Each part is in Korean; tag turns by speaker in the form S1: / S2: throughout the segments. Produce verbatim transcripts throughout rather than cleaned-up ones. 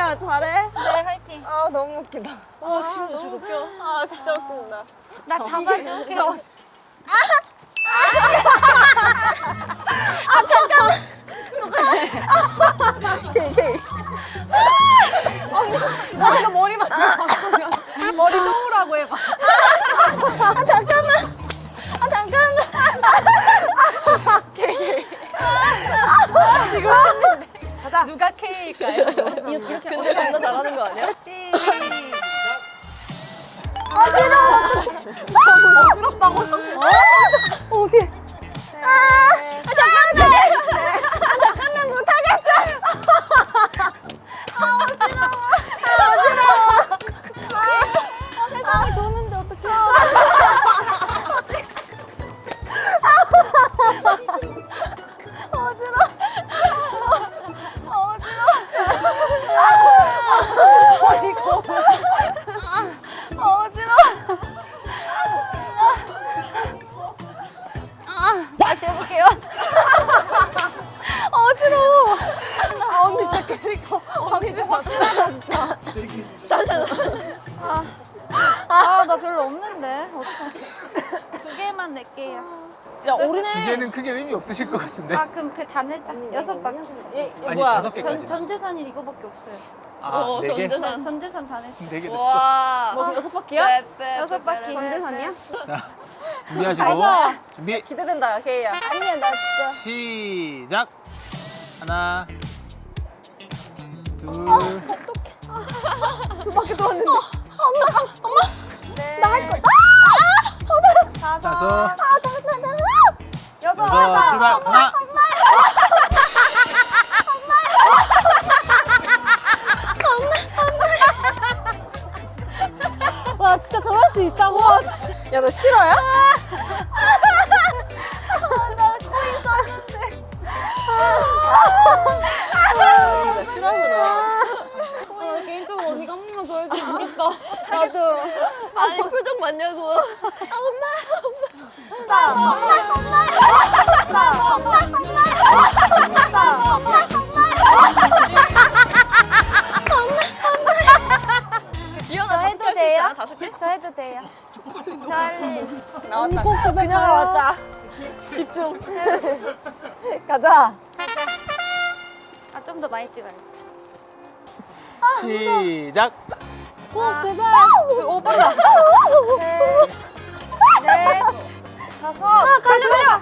S1: 케이야 잘해.
S2: 네, 화이팅.
S1: 아 너무 웃기다.
S2: 와, 친구 저거 웃겨.
S1: 아 진짜 웃긴다.
S2: 나 잡아줄게.
S1: 잡아줄게. 케이 케이. 언니 나 머리만 바꾸면 머리 놓으라고 해봐. 아 잠깐만. 아 잠깐만. 케이 케이. 지금 가자.
S2: 누가 K일까요? 이렇게
S1: 근데 남자 잘하는 거 아니야?
S2: 시작.
S1: 어지러워. 너무 어지럽다고. 어, 어디? 아, 아 잠깐만. 아 잠깐만 못하겠어. 아 어지러워. 아 어지러워. 아 세상이 도는데 어떡해. 어지러워. 아 어지러워. 이거. 아 어지러워. 다시 해볼게요. 어지러워. 아 언니 진짜 캐릭터 확실히 확실하다 진짜.
S2: 아, 아, 나 별로 없는데. 어떡해. 두 개만 낼게요.
S1: 야 우리는
S3: 두 개는 크게 의미 없으실 것 같은데.
S2: 아, 그럼 그 단일자 여섯 바퀴.
S1: 얘, 얘
S3: 아니
S1: 뭐야?
S3: 다섯
S2: 전,
S3: 개까지.
S2: 전재산이 이거밖에 없어요.
S3: 아,
S1: 어,
S3: 네 개?
S1: 전재산.
S2: 전재산 단일자.
S3: 네 개 됐어.
S1: 와. 뭐 여섯 바퀴야?
S2: 여섯 바퀴.
S1: 전재산이야?
S3: 자, 준비하시고
S2: 가자.
S3: 준비.
S1: 기대된다 케이야.
S2: 아니야, 나 진짜.
S3: 시작. 하나, 둘,
S1: 두 바퀴 돌았는데. 엄마 엄마.
S2: 네.
S1: 나 할 거. 아! 다섯.
S3: 다섯.
S1: 아 다섯 다섯. 여섯.
S3: 여섯, 출발. 하나.
S2: 와, 진짜 저럴 수 있다고?
S1: 야 너 싫어요? 진짜 싫어하구나.
S2: 아, 개인적으로 언니가 한 번만 더 해주면 좋겠다.
S1: 나도. 아니 표정 맞냐고. 아 엄마 엄마. 나 엄마 엄마. 나 엄마 엄마. 나 엄마 지연아
S2: 저
S1: 다섯
S2: 해도
S1: 개할수
S2: 돼요?
S1: 있잖아 다섯 개.
S2: 저 해도 돼요. 찰리.
S1: 나왔다. 그냥 나왔다. 집중. 가자.
S2: 아, 좀 더 많이 찍어요.
S3: 시작.
S2: 어, 제발.
S1: 오 빠르다.
S2: 네.
S1: 다섯. 아 달려 달려.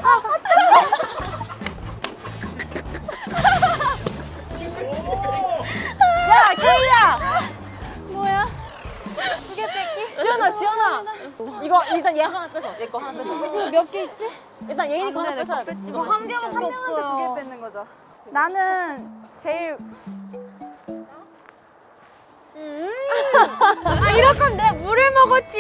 S2: 야, 케이야. 뭐야? 두 개 뺄게.
S1: 지연아 지연아. 이거 일단 얘 하나 뺏어. 얘 거 하나 뺏어.
S2: 이거 몇 개 있지?
S1: 일단 예인이 거 하나
S2: 네,
S1: 뺏어야 돼. 이거 한 개밖에 없어요.
S2: 두개 뺏는 거죠. 나는 제일 아, 이럴 거면 내가 물을 먹었지.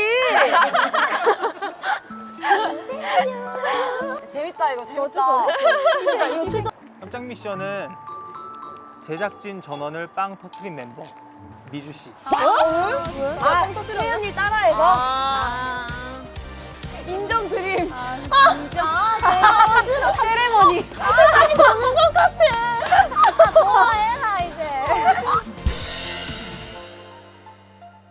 S1: 재밌다 이거 재밌다. 그러니까 이거 칠 점.
S3: 깜짝 미션은 제작진 전원을 빵 터트린 멤버 미주 씨.
S1: 아, 혜연이 짜라 이거. 아. 인정 드림. 아, 진짜. 세레머니. 아니 너무 것 같아.